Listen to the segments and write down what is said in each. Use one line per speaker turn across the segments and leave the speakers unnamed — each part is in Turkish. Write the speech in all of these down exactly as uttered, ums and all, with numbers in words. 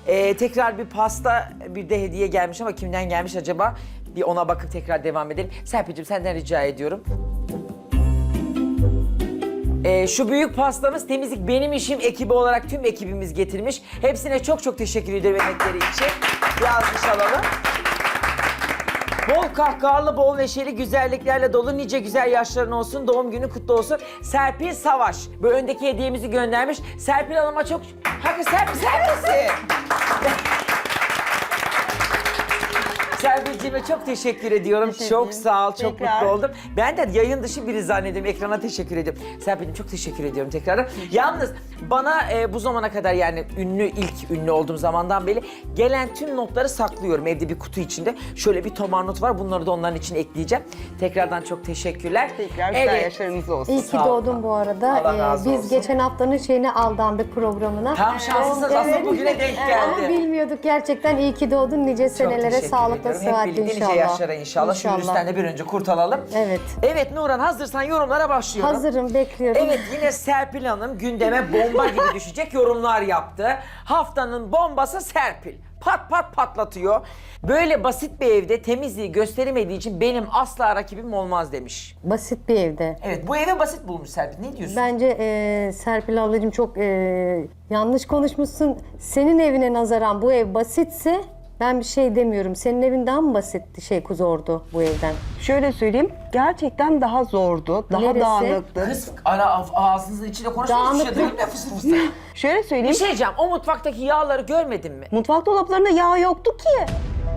Ee, tekrar bir pasta, bir de hediye gelmiş ama kimden gelmiş acaba? Bir ona bakıp tekrar devam edelim. Serpil'cim senden rica ediyorum. Ee, şu büyük pastamız temizlik benim işim ekibi olarak tüm ekibimiz getirmiş. Hepsine çok çok teşekkür ederim emekleri için. Bir alkış alalım. Bol kahkahalı, bol neşeli, güzelliklerle dolu nice güzel yaşların olsun, doğum günü kutlu olsun. Serpil Savaş, bu öndeki hediyemizi göndermiş. Serpil Hanım'a çok... Hakikaten Serpil, Serpil'si! Serpil'cime çok teşekkür ediyorum.
Teşekkür
Çok
ederim.
sağ ol, çok
Tekrar.
mutlu oldum. Ben de yayın dışı biri zannediyorum, ekrana teşekkür ediyorum. Serpil'cim çok teşekkür ediyorum tekrardan. Yalnız bana e, bu zamana kadar yani ünlü, ilk ünlü olduğum zamandan beri gelen tüm notları saklıyorum evde bir kutu içinde. Şöyle bir tomar not var, bunları da onların için ekleyeceğim. Tekrardan çok teşekkürler.
Tekrar güzel yaşlarınız olsun.
İyi ki
Sağ ol.
doğdun bu arada.
Allah
Ee,
razı
biz
olsun.
geçen haftanın şeyine aldandık programına.
Tam şanslısınız, aslında bugüne denk
Ama
geldi.
bilmiyorduk gerçekten. İyi ki doğdun. Nice
Çok
senelere
teşekkür
sağlıkla,
ediyorum. Hep
sıhhatle
birlikte
inşallah.
nice yaşlara inşallah. Şu virüsten de bir önce kurtulalım.
Evet.
Evet Nurhan, hazırsan yorumlara başlıyorum.
Hazırım, bekliyorum.
Evet, yine Serpil Hanım gündeme bomba gibi düşecek yorumlar yaptı. Haftanın bombası Serpil. Pat pat patlatıyor. Böyle basit bir evde temizliği gösteremediği için benim asla rakibim olmaz demiş.
Basit bir evde.
Evet, bu eve basit bulmuş Serpil. Ne diyorsun?
Bence e, Serpil ablacığım çok e, yanlış konuşmuşsun. Senin evine nazaran bu ev basitse ben bir şey demiyorum. Senin evin daha mı basitti, şey zordu bu evden?
Şöyle söyleyeyim, gerçekten daha zordu, daha
Neresi?
dağınıktı.
Kız ara ağzınızın içinde konuşuyorsunuz. Hiçbir şey
Dağınıklık.
duymuyor fısır fısır.
Şöyle
Bir
söyleyeyim,
şey diyeceğim, o mutfaktaki yağları görmedin mi?
mutfak dolaplarında yağ yoktu ki.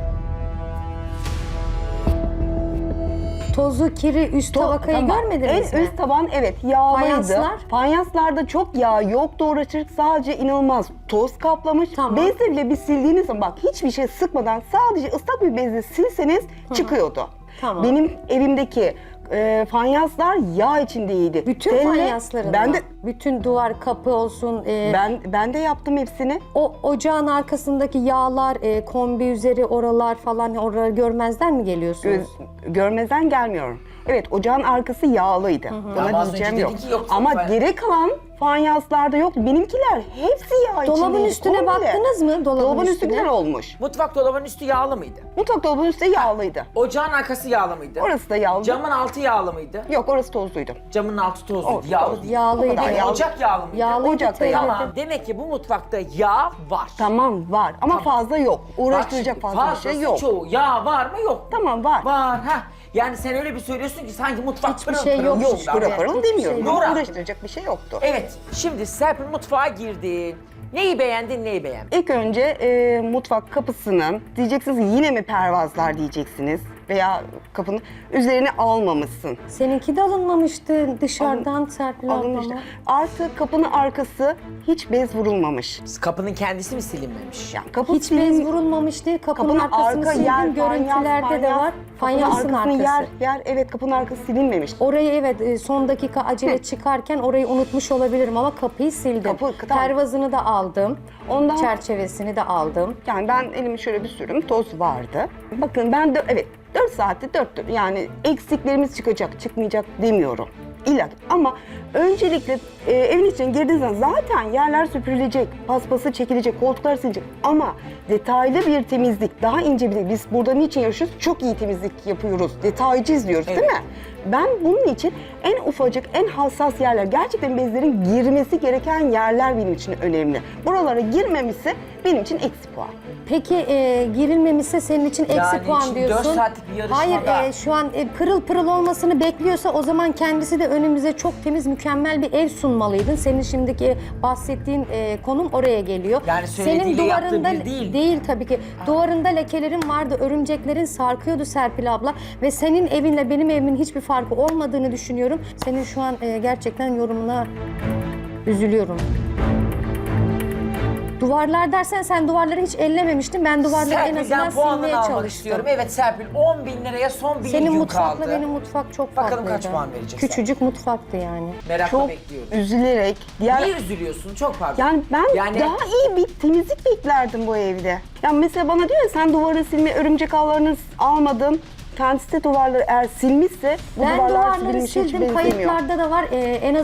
Tozu, kiri, üst tabakayı
Tamam.
görmediniz
En
mi?
üst taban evet yağlıydı.
Fayanslar?
Fayanslarda çok yağ yoktu, uğraşırdık sadece inanılmaz toz kaplamış.
Tamam.
Bezle bile bir sildiğiniz zaman bak hiçbir şey sıkmadan sadece ıslak bir bezle silseniz çıkıyordu.
Tamam.
Benim evimdeki e, fayanslar yağ içindeydi.
Bütün
Telle-
fayansların
ben
mı?
de
Bütün duvar, kapı olsun. e,
ben ben de yaptım hepsini.
O ocağın arkasındaki yağlar, e, kombi üzeri oralar falan oraları görmezden mi geliyorsunuz?
Göz, görmezden gelmiyorum. Evet ocağın arkası yağlıydı.
Ama
Buna
az
diyeceğim
önce
yok.
dedin ki yok,
Ama
çok
geri kalan fanyanslarda yok. Benimkiler hepsi yağ içindeydi.
Dolabın üstüne
komple.
baktınız mı? Dolabın,
Dolabın üstü
üstüne.
güzel olmuş.
Mutfak dolabının üstü yağlı mıydı?
Mutfak dolabının üstü yağlıydı.
Ocağın arkası yağlı mıydı?
Orası da yağlı.
Camın altı yağlı mıydı?
Yok orası tozluydu.
Camın altı tozluydu.
O,
Yağlı
toz.
değil.
Yağlıydı.
O kadar.
Yağlı.
Ocak yağlı mıydı?
Yağlıydı,
Ocakta
teyze.
yağlı.
Tamam. Demek ki bu mutfakta yağ var.
Tamam var ama fazla yok.
Bak
Uğraştıracak
şimdi,
fazla bir şey
fazlası
yok.
çoğu. Yağ var mı yok mu?
Tamam var.
Var ha. Yani sen öyle bir söylüyorsun ki sanki mutfak
Hiçbir
pırıl
şey
pırıl
yok.
bir
Yok
şey.
pırıl
Evet,
pırıl
hiçbir
demiyorum.
şey
yok.
Ama
Nurhan.
uğraştıracak bir şey yoktu.
Evet. Şimdi Serpil mutfağa girdi. Neyi beğendin, neyi beğenmedin?
İlk önce e, mutfak kapısını diyeceksiniz ki yine mi pervazlar diyeceksiniz veya kapının üzerine almamışsın.
Seninki de alınmamıştı dışarıdan Serpil
Alınmıştı.
ablama.
Artı kapının arkası hiç bez vurulmamış.
Kapının kendisi mi silinmemiş?
Yani kapı
Hiç bez vurulmamış değil. Kapının,
kapının
arkasını
arka
sildim.
yer,
Görüntülerde
fanyas,
de var.
Kapının
Fayansın
arkasını
arkası.
yer, yer. Evet kapının arkası silinmemiş.
Orayı evet e, son dakika acele çıkarken orayı unutmuş olabilirim ama kapıyı sildim.
Kapı- tamam.
Pervazını da aldım.
Ondan
Çerçevesini de aldım.
yani ben elimi şöyle bir sürüm toz vardı. Bakın ben de evet dört saatte dört dört yani eksiklerimiz çıkacak çıkmayacak demiyorum. İlla ki. Ama öncelikle e, evin içine girdiğiniz zaman zaten yerler süpürülecek, paspası çekilecek, koltuklar silecek. Ama detaylı bir temizlik, daha ince bir de biz burada niçin yaşıyoruz? Çok iyi temizlik yapıyoruz, detaycı izliyoruz
Evet.
değil mi? Ben bunun için en ufacık, en hassas yerler, gerçekten bezlerin girmesi gereken yerler benim için önemli. Buralara girmemişse benim için eksi puan.
Peki e, girilmemişse senin için eksi
Yani
puan
şimdi
diyorsun.
dört saatlik bir yarışmada-
Hayır e, şu an e, pırıl pırıl olmasını bekliyorsa o zaman kendisi de önümüze çok temiz mükemmel bir ev sunmalıydın. Senin şimdiki bahsettiğin e, konum oraya geliyor.
Yani
Senin
söylediğiyle yaptığı
duvarında
bir değil.
değil tabii ki. Duvarında lekelerin vardı, örümceklerin sarkıyordu Serpil abla ve senin evinle benim evimin hiçbir farkı olmadığını düşünüyorum. Senin şu an e, gerçekten yorumuna üzülüyorum. Duvarlar dersen sen duvarları hiç ellememiştin. Ben duvarları en azından
Serpil'den puanını
silmeye
almak
çalıştım.
istiyorum. Evet Serpil on bin liraya son bir
Senin
gün
mutfakla
kaldı.
benim mutfak çok
Bakalım
farklıydı.
kaç puan verecek
Küçücük mutfaktı yani.
Merakla
Çok
bekliyorum.
üzülerek, diğer
Niye üzülüyorsun? Çok pardon.
yani ben
Yani-
daha iyi bir temizlik beklerdim bu evde. Yani mesela bana diyor ya sen duvarı silme, örümcek ağlarını almadın. Kendisi de duvarları eğer silmişse bu
Ben
duvarlar
duvarları
silinmiş hiç
sildim.
benzemiyor.
Kayıtlarda da var. Ee, en azından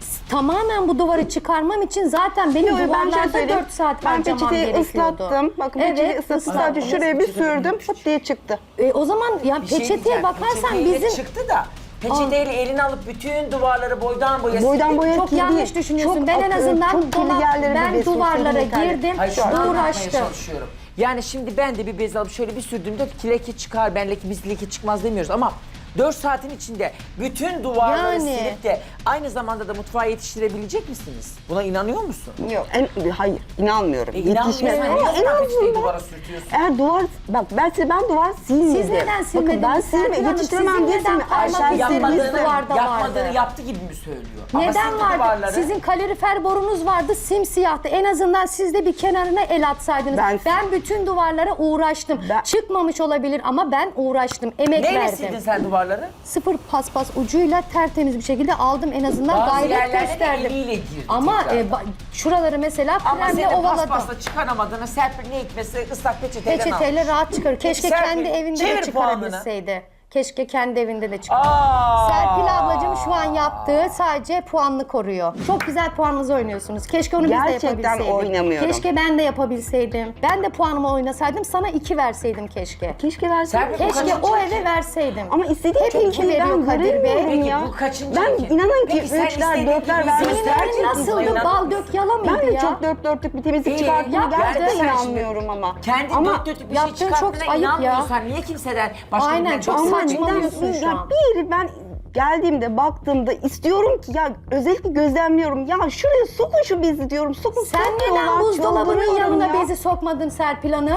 Tamamen bu duvarı çıkarmam için zaten benim
Yok, ben şöyle
duvarlarda
söyleyeyim.
dört saat
Ben
harcamam
peçeteyi
gerekiyordu.
ıslattım. Bakın
Evet,
peçeteyi ıslattım.
ıslattım.
Sadece şuraya bir
Peçete
sürdüm.
dönmüş.
Fıt diye çıktı.
E, o zaman ya
Bir şey
peçeteye
diyeceğim,
bakarsan
peçeteyle
bizim...
çıktı da peçeteyle elini alıp bütün duvarları boydan boya
Boydan
sildi.
boya
Çok
kirli.
yanlış düşünüyorsun.
Çok
ben en
akıyor,
azından
çok kirli
dolap,
yerleri
ben
bebesin,
duvarlara
yeterli.
girdim,
Hayır, şunu anlatmaya
uğraştım.
çalışıyorum. Yani şimdi ben de bir bez alıp şöyle bir sürdüğümde leke çıkar, ben leke, biz leke çıkmaz demiyoruz ama dört saatin içinde bütün duvarları
Yani.
silip de aynı zamanda da mutfağa yetiştirebilecek misiniz? Buna inanıyor musun?
Yok, en, hayır, inanmıyorum.
E, inanmıyorsan
Ama
niye
en
o zaman peçeteyi
azından
duvara sürtüyorsun?
eğer duvar, bak ben size ben duvar silmedim.
Siz neden silmediniz?
Bakın ben
Serpil
silme,
Hanım,
yetiştiremem
sizin
diye
neden
silme.
parmak
Aşağı
izleriniz
sildiğiniz
Yapmadığını- duvarda
yapmadığını
vardı.
yaptı gibi mi söylüyor? Ama
Neden
sildi
vardı?
duvarları.
Sizin kalorifer borunuz vardı, simsiyahtı. En azından siz de bir kenarına el atsaydınız. Ben,
Ben-
bütün duvarlara uğraştım.
Ben-
Çıkmamış olabilir ama ben uğraştım, emek
Neyle
verdim.
sildin sen duvarları?
Sıfır paspas ucuyla tertemiz bir şekilde aldım, en azından
Bazı
gayret
yerlerde de
gösterdim.
eliyle girdi
Ama
tekrar.
e, ba- şuraları mesela
Ama
kremle
senin
ovaladım.
paspasla çıkaramadığını Serpil ne hikmetse ıslak peçeteyle
Peçeteyle rahat çıkarır. Keşke
Serpil,
kendi evinde
çevir
de
puanını.
çıkarabilseydi. Keşke kendi evinde de çıkar.
Aa!
Serpil ablacığım şu an yaptığı sadece puanını koruyor. Çok güzel puanınızı oynuyorsunuz. Keşke onu biz de
Gerçekten
yapabilseydik.
oynamıyorum.
Keşke ben de yapabilseydim. Ben de puanımı oynasaydım, sana iki verseydim keşke.
Keşke verseydim.
Serpil, bu
Keşke
kaçıncı
o
iki?
eve verseydim.
Ama istediğim
Hep
temizliği
iki veriyor
ben
Kadir Bey.
göremiyorum
Peki
ya.
bu kaçıncı
Ben
iki?
inanın ki
Peki sen
üçler,
istediğin
dörtler
gibi
vermiş.
senin
Senin evin
Gerçekten
nasıldı?
inanır
Bal
mısın?
dök yala mıydı
Ben de
ya?
çok dört dörtlük bir temizlik
İyi,
çıkarttığını
yap,
gerçekten
yani sen
inanmıyorum
şimdi
ama.
Kendi
ama
dört dörtlük bir şey
yaptığın çok
çıkarttığına
ayıp ya.
inanmıyorsan niye kimseden başka
Aynen,
birinden
çok
çok
ama
saçmalıyorsun
neden-
şu
ya
an.
bir ben geldiğimde baktığımda istiyorum ki ya özellikle gözlemliyorum ya şuraya sokun şu bezi diyorum sokun
Sen
sokmuyorlar,
neden buzdolabının
çıldırıyorum
yanına
ya.
bezi sokmadın Serpil Hanım?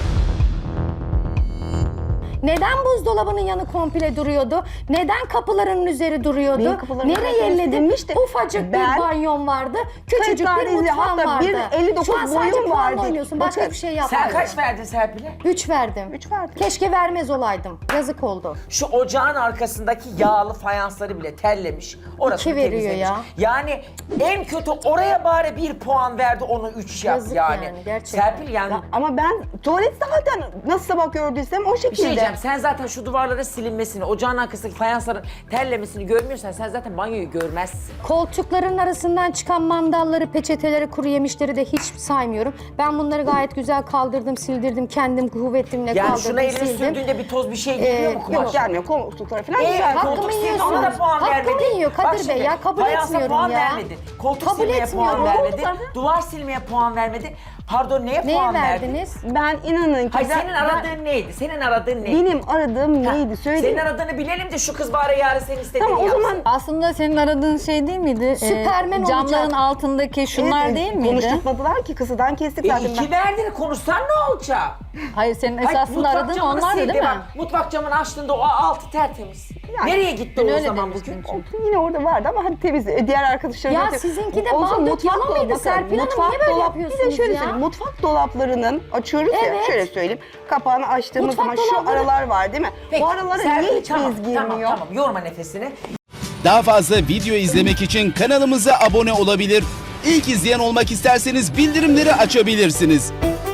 Neden buzdolabının yanı komple duruyordu? Neden kapılarının üzeri duruyordu?
Benim kapılarım
Nereye
zaten
elledin?
silinmişti.
Ufacık
Ben-
bir banyon vardı. Küçücük
Kırk
bir
tane izi,
mutfağın
hatta
vardı.
bir elli dokuz
Şu an sadece
boyum
puanla
vardı.
oynuyorsun. Başka
Bakın,
bir şey
Sen
yapmadın.
kaç verdin Serpil'e?
Üç verdim.
Üç verdim.
Keşke vermez olaydım. Yazık oldu.
Şu ocağın arkasındaki yağlı fayansları bile terlemiş. Orasını
İki veriyor
temizlemiş.
ya.
Yani en kötü oraya bari bir puan verdi, onu üç yap
Yazık
yani.
yani, gerçekten.
Serpil yani
Ya ama ben tuvalet zaten nasıl sabah gördüysem o
bir şey
şekilde.
diyeceğim. Sen zaten şu duvarlara silinmesini, ocağın arkasındaki fayansların terlemesini görmüyorsan sen zaten banyoyu görmezsin.
Koltukların arasından çıkan mandalları, peçeteleri, kuru yemişleri de hiç saymıyorum. Ben bunları gayet güzel kaldırdım, sildirdim. Kendim kuvvetimle
Yani
kaldırdım,
şuna elini
sildim.
sürdüğünde bir toz bir şey geliyor
Ee,
mu kumaş?
Yok gelmiyor koltuklara falan
Ee,
güzel.
koltuk
Hakkımı
sildi,
yiyorsun.
ona da puan
Hakkımı
vermedi.
yiyor Kadir
Bak
Bey
şimdi,
ya, kabul
fayansa
etmiyorum
puan
ya.
vermedi. Koltuk
Kabul
silmeye puan
etmiyorum.
vermedi.
Koltuklarda-
Duvar silmeye puan vermedi. Pardon neye
Neye
puan verdi?
verdiniz?
Ben inanın ki
Hayır
ben-
senin aradığın neydi? Senin aradığın neydi?
benim aradığım
Ha,
neydi söyleyeyim.
Senin aradığını bilelim de şu kız bari yarın senin istediğini
Tamam o
yapsın.
zaman
Aslında senin aradığın şey değil miydi? Ee,
Süpermen
camların
olacak.
altındaki şunlar
Evet,
değil miydi?
konuşturmadılar ki kısıdan kestik
E,
zaten.
iki
Ben.
verdin konuşsan ne olacak?
Hayır senin
Hayır,
esasında
mutfak
aradığın
camını
onlardı
sildi
değil mi?
bak. Mutfak camını açtığında o altı tertemiz.
Yani,
Nereye gitti
ben
o
öyle
zaman
demiştim
bugün?
çünkü.
Olsun, yine orada vardı ama hadi temiz. E, Diğer arkadaşlarım
Ya
zaten-
sizinki de
Olsun,
bal dök
mutfak
yala
dolabı-
mıydı
bakın,
Serpil Hanım?
mutfak
Niye böyle
dolap- Bir de
yapıyorsunuz
şöyle
ya?
söyleyeyim. Mutfak dolaplarının açıyoruz ya
Evet.
şöyle söyleyeyim. Kapağını açtığımız
Mutfak
zaman şu
dolapları-
aralar var değil mi?
Peki,
Bu aralara
Serpil,
niye hiç
tamam,
bez girmiyor?
Tamam tamam yorma nefesini.
Daha fazla video izlemek için kanalımıza abone olabilir. İlk izleyen olmak isterseniz bildirimleri açabilirsiniz.